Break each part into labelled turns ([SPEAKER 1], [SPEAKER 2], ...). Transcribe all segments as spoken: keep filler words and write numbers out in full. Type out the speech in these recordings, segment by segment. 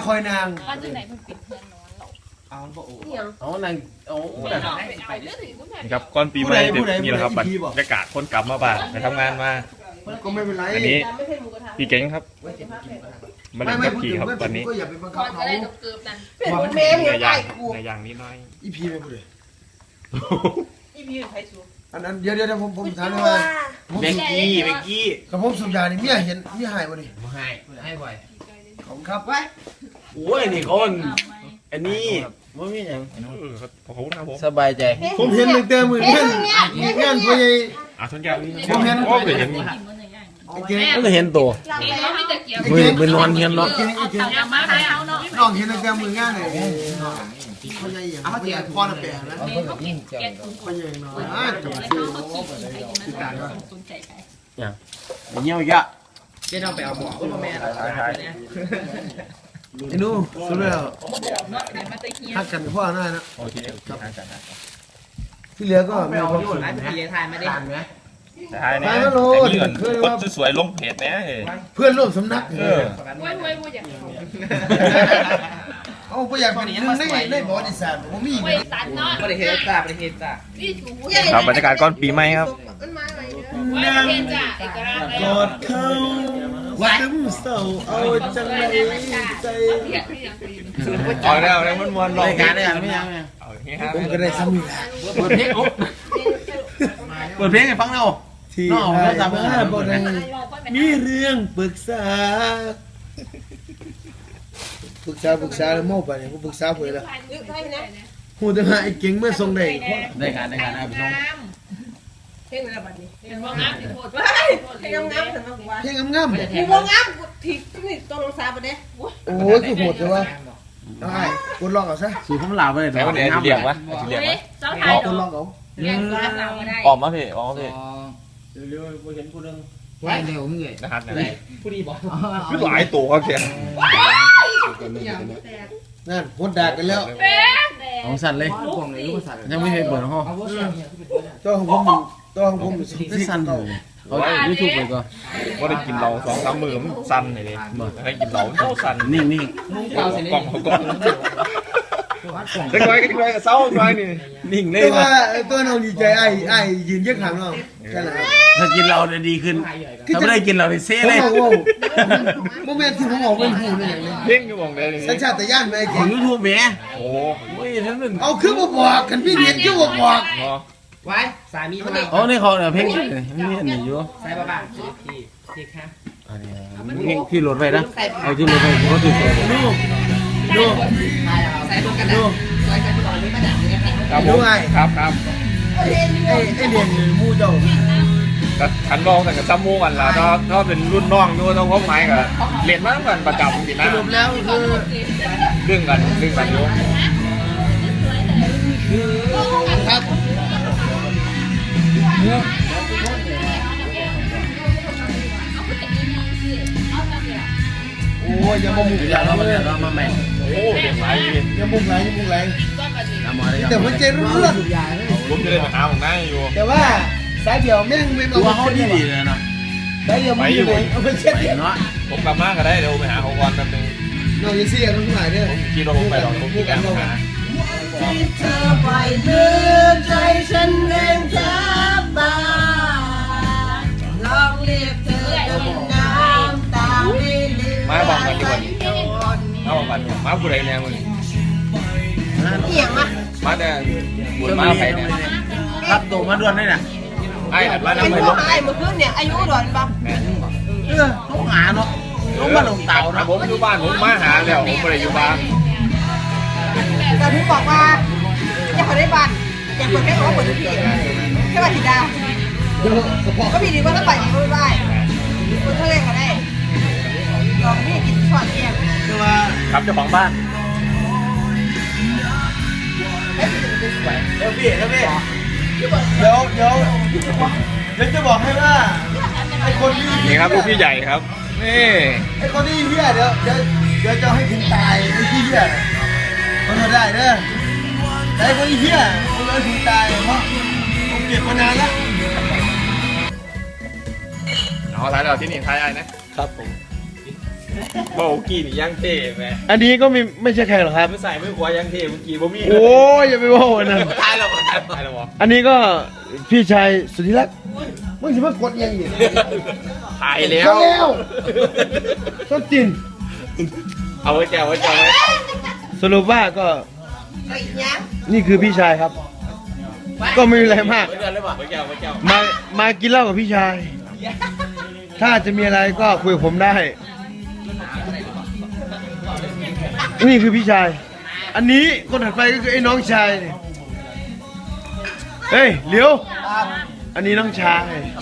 [SPEAKER 1] คอยนาง
[SPEAKER 2] ว่าจะไหนมันปิดเพื่อนนอนหรอ
[SPEAKER 3] เอาบ่โอ้
[SPEAKER 4] เอานางเอา
[SPEAKER 5] ครับก่อนปีใหม่เด็กนี่แหละครับบรรยากาศคนกลับมาบ้านไปทำงานมา
[SPEAKER 1] ก็ไม่เป็นไร
[SPEAKER 5] อันนี้พี่เก่งครับมาเล่นกับพี่ครับตอนนี้
[SPEAKER 1] ก็อย่าไปบังคับเขาเป็น
[SPEAKER 5] เมย์ในอย่างในอย่างนี้น้อย
[SPEAKER 1] อีพีไม่พูดเลย
[SPEAKER 2] อีพีใครสู
[SPEAKER 1] อันนั้นเดี๋ยวเดี๋ยวผมผมถามเลยว่า
[SPEAKER 4] เบกกี้เบกกี้
[SPEAKER 1] กับผมสุดยานี่เมียเห็นเมียหายบ่ดิ
[SPEAKER 4] ไม่ให้ให้บ่อย
[SPEAKER 1] ของครับไว้
[SPEAKER 4] โอ้ยนี่คนอันนี้ไม่มีอย่างสบายใจ
[SPEAKER 1] ผมเห็นตั้งแต่มือเงี้ยเงี้ยพ่อใหญ่
[SPEAKER 5] อ่ะทุนยา
[SPEAKER 1] ผมเห็น
[SPEAKER 5] ก็เห็น
[SPEAKER 4] ก็เห็นตัวมือมือนอนเห็นเนาะ
[SPEAKER 1] น้องเห็นตั้งแต่มืองานเลยพ่อใหญ่อย่างพ่อใหญ่พ่อน่ะแปลงนะพ่อใหญ่น้อยอ่ะจังซี่ติดตามว่า
[SPEAKER 4] อย่างเงี้ยเยอะ
[SPEAKER 3] เจ๊ต้องไปเอาบ่อพ่อแม่
[SPEAKER 1] ไอ้หนูสุดแล้วฮักกันพ่อหน้านะ
[SPEAKER 5] โอเคครับ
[SPEAKER 1] ที่เหลือก็มีความสุข
[SPEAKER 3] นะพี่ถ่ายมาดิ
[SPEAKER 5] ถ่ายนะนี่ก่อนคนสวยๆลงเพจนะ
[SPEAKER 1] เพื่อนร่วมสำนักเออ
[SPEAKER 2] ว้ยว้ยว้ยอย่าง
[SPEAKER 1] เอาไปอยากเป็นหนึ่งในในประวัติศาสตร์ผมมี
[SPEAKER 2] ว้ยตันเนาะ
[SPEAKER 3] ประเทศจ้าประเทศจ้า
[SPEAKER 5] ครับบรรยากาศก่อนปีใหม่ครับ
[SPEAKER 2] ว้ยประเทศจ้าเอกราช
[SPEAKER 1] กอดเขาซึมเศร้าเอาจังไรใจ
[SPEAKER 5] เอาแล้วแล้วมันวน
[SPEAKER 4] รายการได้ยังไม่ยัง
[SPEAKER 1] ผมก็ได้ซ้ำอยู่
[SPEAKER 4] เปิดเพลงเปิดเพลงให้ฟังเรา
[SPEAKER 1] ที่จำได้บอกได้มีเรื่องปรึกษาปรึกษาปรึกษาแล้วโม่ไปเนี่ยผมปรึกษาเพื่อนแล้วหูแต่ว่าไอ้เก่งเมื่อทรงได้
[SPEAKER 4] ได้การได้การได้ไปส่ง
[SPEAKER 2] เพลงอะไรแบบนี้เพลงงามโทษเพลงงามถึงมาว่า
[SPEAKER 1] เพลงงามๆ
[SPEAKER 2] เพลงงามที่นี่ต้องลงซาไปเด้
[SPEAKER 1] โอ้ยคือโหดเลยวะได้กดลองเอาซะ
[SPEAKER 4] สูข้ามลาวไปเลย
[SPEAKER 5] แต่วันนี้เรียกวะเรียกวะ
[SPEAKER 1] เอากดลองเอา
[SPEAKER 5] ออกมาพี่ออกมาพี่
[SPEAKER 4] เร็วๆเห็นผู้นึงไว้เร็วเงย
[SPEAKER 5] นะครับ
[SPEAKER 3] ผู้ดีบอก
[SPEAKER 5] คือหลายตัวเขียน
[SPEAKER 1] นั่นพดดากันแล้ว
[SPEAKER 4] ของสั่นเลยยังไม่เคยเปิดห้อง
[SPEAKER 1] ตัวของผมตัวของผม
[SPEAKER 4] ไม่สั่นเลยเอายูทูบไปก่อน
[SPEAKER 5] ว่าได้กินเราสองสามมือมันสั่นเลยดิให้กินเราเท่าสั่น
[SPEAKER 4] นิ่งนิ่ง
[SPEAKER 5] กล่องกล่องกล่องจะคอยกันคอยกับเศร้าคอยนี่
[SPEAKER 4] นิ่งเลย
[SPEAKER 1] ตัวตัวน้องดีใจไอ้ไอ้ยืนเยอะขังน้องใช่ไหมครับ
[SPEAKER 4] ถ้ากินเราจะดีขึ้นถ้าไม่ได้กินเราจะเซ่เลย
[SPEAKER 1] โมเมนต์ที่ผมออกเป็นหูเลยอย่างนี้
[SPEAKER 5] เพ่งก็มองได้เลย
[SPEAKER 1] สัญชาตญาณไหม
[SPEAKER 4] ของยูทูบแม่
[SPEAKER 5] โอ้
[SPEAKER 4] ยท่านนึง
[SPEAKER 1] เอาคือมาบอกกันพี่เนียนคือมาบอก
[SPEAKER 3] ไว้สามีมา
[SPEAKER 4] อ๋อนี่เขาเนี่ยเพ่งนี่อันนี้อยู่
[SPEAKER 3] ใส่บ้าบ้าพี่พี่ค่ะ
[SPEAKER 4] อันนี้เพ่งพี่โหลดไปนะเอาที่โหลดไปเขาติดตัว
[SPEAKER 1] ดูดู
[SPEAKER 3] ใส่รวมกันดูใส่กันก่อนนี้มาจากนี้
[SPEAKER 5] ครับผมครับครับ
[SPEAKER 1] ไอ้ไอ้ไอ้เรียนมูเจ้า
[SPEAKER 5] ขันรองแต่กับซัมมูกันละถ้าถ้าเป็นรุ่นน้องดูต้องพบไม้กับเรียนมาตั้งแต่ประจำสินะ
[SPEAKER 1] สรุปแล้วคือ
[SPEAKER 5] เรื่องกันเรื่องกันอยู่
[SPEAKER 1] ครับโอ้ยยังมุก
[SPEAKER 4] อย่าเรามาเดี๋ยวเรามาใหม่
[SPEAKER 5] โอ้เด็กไร
[SPEAKER 1] ยังมุกไรยังมุกไรแต่หัวใจรุ่นรุ่น
[SPEAKER 5] ผมจะได้มาหาของนายอยู่
[SPEAKER 1] แต่ว่าสายเดียวแม่งไม่มา
[SPEAKER 4] ตัวเขาดีดีเลยเนาะ
[SPEAKER 1] สายเดียวไม่อยู่เลยเอาไปเช็ด
[SPEAKER 4] เนาะ
[SPEAKER 5] ผมกลับมาก็ได้เดี๋ยวไปหาของวันแป๊บนึง
[SPEAKER 1] น้องยังเสียกันทุกหลายเด้อ
[SPEAKER 5] ผมคิดว่าผมไปหรอกผมคิดการหา
[SPEAKER 1] ที่เธอไปเดินใจฉันเองแทบตาลองเรียกเธอน้ำตาไม่ลืม
[SPEAKER 5] มาบอกกันดีกว่ามาบอกกันมาผู้ใดแน่มึง
[SPEAKER 1] เอียงมา
[SPEAKER 5] มาแต่บุญมาไปเนี่ย
[SPEAKER 4] ครับตัวมาด่วนได้น่ะ
[SPEAKER 5] ไอ้แบบว่าน้ำ
[SPEAKER 2] ไป
[SPEAKER 5] ลง
[SPEAKER 2] ไอ้เมื่อคืนเนี่ยอายุด่วนปะ
[SPEAKER 4] เออลูกหาเนาะลูกมาลงเต่านะ
[SPEAKER 5] ผมอยู่บ้านผมมาหาแล้วผมไม่ได้อยู่บ้าน
[SPEAKER 2] แต่พี่บอกว่าอยากได้บ้านอยากเปิดแค่เขาเปิดทุกที่แค่ว่าทีดาวก็มีดีว่าถ้าไปก็ไม่ได้คนทะเลก็ได้ลองพี่กินช็อตเอง
[SPEAKER 5] ครับเจ้าของบ้าน
[SPEAKER 1] เดี๋ยวพี่เดี๋ยวพี่เดี๋ยวเดี๋ยวเดี๋ยวจะบอกให้ว่าไอ้คนที่
[SPEAKER 5] นี่ครับลูกพี่ใหญ่ครับนี่
[SPEAKER 1] ไอ้คนที่เหี้ยเดี๋ยวเดี๋ยวเดี๋ยวจะให้ถึงตายไอ้ที่เหี้ยมันทำได้เด้อแต่ไอ้คนที่เหี้ยมันเลยถึงตายเพราะผมเก็บมานานแล้ว
[SPEAKER 5] เอาท้ายเราที่นี่ท้ายไอ้นะครับผมเบากี้นี่ยังเท่แม่
[SPEAKER 4] อันนี้ก็ไม่ไม่ใช่ใครหรอกครับ
[SPEAKER 5] ไม่ใส่ไม่ขวายังเท่เมื่อกี้บ่มี
[SPEAKER 4] โอ้ยอย่าไปว่าอันนั้น
[SPEAKER 5] ตายแล้วบ่ตายแล้วบ่
[SPEAKER 4] อันนี้ก็พี่ชายสุดที่รักมึงสิมากดยังอีก
[SPEAKER 5] ตายแล้ว
[SPEAKER 4] ก็แล้วต้นจิน
[SPEAKER 5] เอาไว้แก้วไว้แก้วไว้
[SPEAKER 4] สรุปว่าก็
[SPEAKER 2] ไอ้ยัง
[SPEAKER 4] นี่คือพี่ชายครับ ก็ไม่มีอะไรมาก
[SPEAKER 5] ไว้เดือนเลยบ่ไว้แก้วไว้แก้ว
[SPEAKER 4] มามากินเหล้ากับพี่ชาย ถ้าจะมีอะไรก็คุยกับผมได้ นี่คือพี่ชาย อันนี้คนถัดไปก็คือไอ้น้องชายนี่เฮ้ยเหลียว อันนี้น้องชาย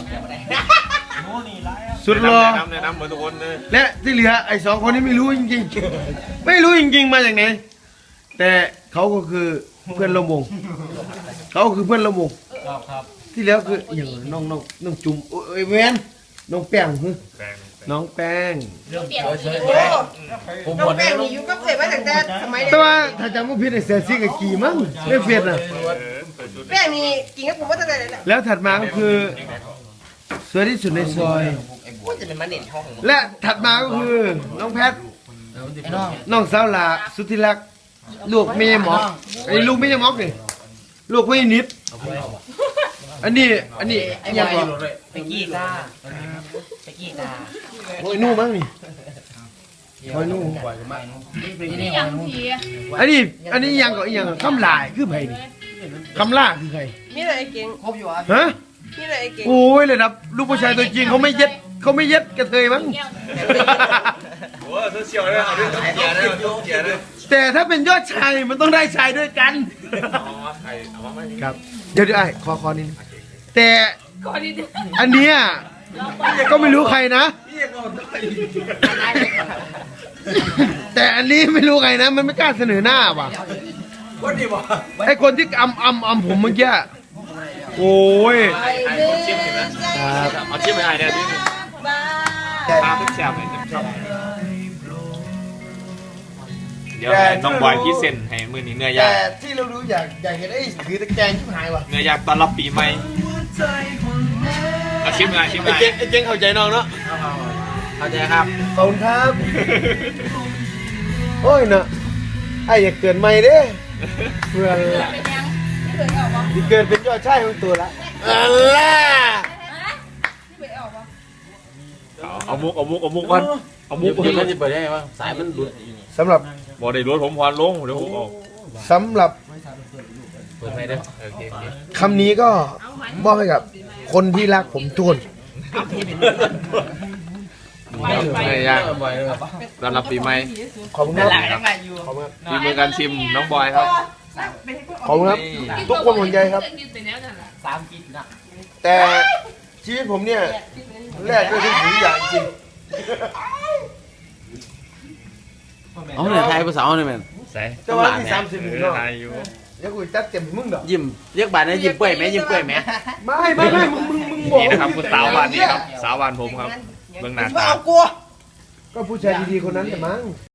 [SPEAKER 4] สุดรอ
[SPEAKER 5] แนะนำแนะนำเหมือนทุกคนเลย
[SPEAKER 4] และที่เหลือไอ้สองคนนี้ไม่รู้จริงๆ ไม่รู้จริงๆมาจากไหน แต่เขาก็คือเพื่อนร่วมวง เขาคือเพื่อนร่วมวงที่แล้วคืออย่างน้องน้องน้องจุ่มโอ้ยเวนน้องแป้งคือน้องแป้ง
[SPEAKER 2] โอ้น้องแป้งนี่อยู่กับเอ๋มาตั้งแต่สมัยเด็
[SPEAKER 4] แต่
[SPEAKER 2] ก
[SPEAKER 4] ว่าถ้าจำไม่ผิดไอ้เสียซี่กับกี่มั้งเล่นเฟียดน่ะ
[SPEAKER 2] แป้งนี่กินกับผมมาตั้งแต่ไหน
[SPEAKER 4] แล้วถัดมาก็คือสวยที่สุดในซอย
[SPEAKER 3] พูดจะเป็นมาเน็ตห้อง
[SPEAKER 4] และถัดมาก็คือน้องแพท น้องสาวหลาสุดที่รักลูกเมียหมอกไอ้ลูกเมียหมอกนี่ลูกไม่นิด อันนี้อันนี้ยังก่อน
[SPEAKER 3] ไปกี้จ้าไปกี้จ้า
[SPEAKER 4] โอ้ยนู่มั้งนี่โอ้ยนู่
[SPEAKER 6] นี่อย่างที
[SPEAKER 4] อันนี้อันนี้ยังก่อนยังคำลายคือไผนี่คำล่าคือใคร
[SPEAKER 2] มีอะไรเก่ง
[SPEAKER 3] ครบอยู่อ่ะ
[SPEAKER 4] ฮะ
[SPEAKER 2] มีอะไรเก่ง
[SPEAKER 4] โอ้ยเลยนะลูกผู้ชายตัวจริงเขาไม่เย็ดเขาไม่เย็ดกระเทยมั้ง
[SPEAKER 5] โอ้โซเชียลเลยเอาด้วยเกียร์ด้วยเกียร์ด้วย
[SPEAKER 4] แต่ถ้าเป็นยอดชายมันต้องได้ชายด้วยกัน
[SPEAKER 5] เอามาใครเอามาไม่
[SPEAKER 4] ครับเดี๋ยวเดี๋ยวไอ้คอคอนิดนึงแต่
[SPEAKER 6] ก่อนดี
[SPEAKER 4] อันเนี้ยก็ไม่รู้ใครนะ แต่อันนี้ไม่รู้ใครนะ มันไม่กล้าเสนอหน้าว่ะ
[SPEAKER 5] วันนี้บ่
[SPEAKER 4] ไอคนที่อำอำอำผมเมื่อกี้โอ้ย
[SPEAKER 5] ไอ้คนชิมเห็นไหมเอาชิมไปไอ้เนี่ยดิตาเป็นแซ่บเลยเดี๋ยวให้น้องบอยพี่เซ็นให้มือนี้เนื้อย่าง
[SPEAKER 4] แต่ที่เรารู้อยากอยากเห็นไอ้ถือตะแกรงชิบหายว่ะ
[SPEAKER 5] เนื้อย่างต้อนรับปีใหม่เอาชิมไปชิมไป
[SPEAKER 4] ไอ้เจ๊งไอ้เจ๊งเข้าใจน้องเนาะ
[SPEAKER 5] เข้าใจครับ
[SPEAKER 4] ขอบคุณครับ โอ้ยเนาะไอ้อย่าเกินไม่เด้เพื่อน
[SPEAKER 6] เป็นยังที่เคยออกวะ
[SPEAKER 4] ที่เกินเป็นยอดชายของตัวละอัลล่า
[SPEAKER 6] ที่เคยออกวะ
[SPEAKER 5] เอามุกเอามุกเอามุกก่อนเอามุกก่อน
[SPEAKER 4] สำหรับ
[SPEAKER 5] บ่ได้รถผมพรลงเดี๋ยวผมเอา
[SPEAKER 4] สำหรับ
[SPEAKER 5] เปิดไฟเด้อโอเค
[SPEAKER 4] คำนี้ก็มอบให้กับคนที่รักผมทุกคน
[SPEAKER 5] เนื้อย่างต้อนรับปีใหม่
[SPEAKER 4] ขอบคุณครับ
[SPEAKER 3] ยังไงอยู่
[SPEAKER 4] ขอบคุณครับ
[SPEAKER 5] มีมือการชิมน้องบอยครับ
[SPEAKER 4] ขอบคุณครับ ทุกคนห่วงใยครับ
[SPEAKER 6] กินแต่แนวนั่นแหละ
[SPEAKER 3] สามกินนะ
[SPEAKER 4] แต่ชีวิตผมเนี่ยแรกด้วยทุกสิ่งอย่างจริง
[SPEAKER 1] เอาเนี่ยไทยภาษาเนี่ยแม่น
[SPEAKER 5] ใส่
[SPEAKER 4] แต่ว่าที่สามสิบหนึ่งเนาะ
[SPEAKER 5] ไทยอยู่
[SPEAKER 4] เดี๋ยวกูจัดเต็มให้มึงดอก
[SPEAKER 1] ยิ้มเรียกบาทนะยิ้มเปื่อยไหมยิ้มเปื่อยไหม
[SPEAKER 4] ไม่ไม่ไม่มึงมึงมึงบอก
[SPEAKER 5] นี่นะครับคุณสาววานนี่ครับสาววานผมครับเบื้องหน้า
[SPEAKER 2] มา
[SPEAKER 5] ตา
[SPEAKER 2] เอากลัว
[SPEAKER 4] ก็ผู้ชายดีๆคนนั้นแต่มั้ง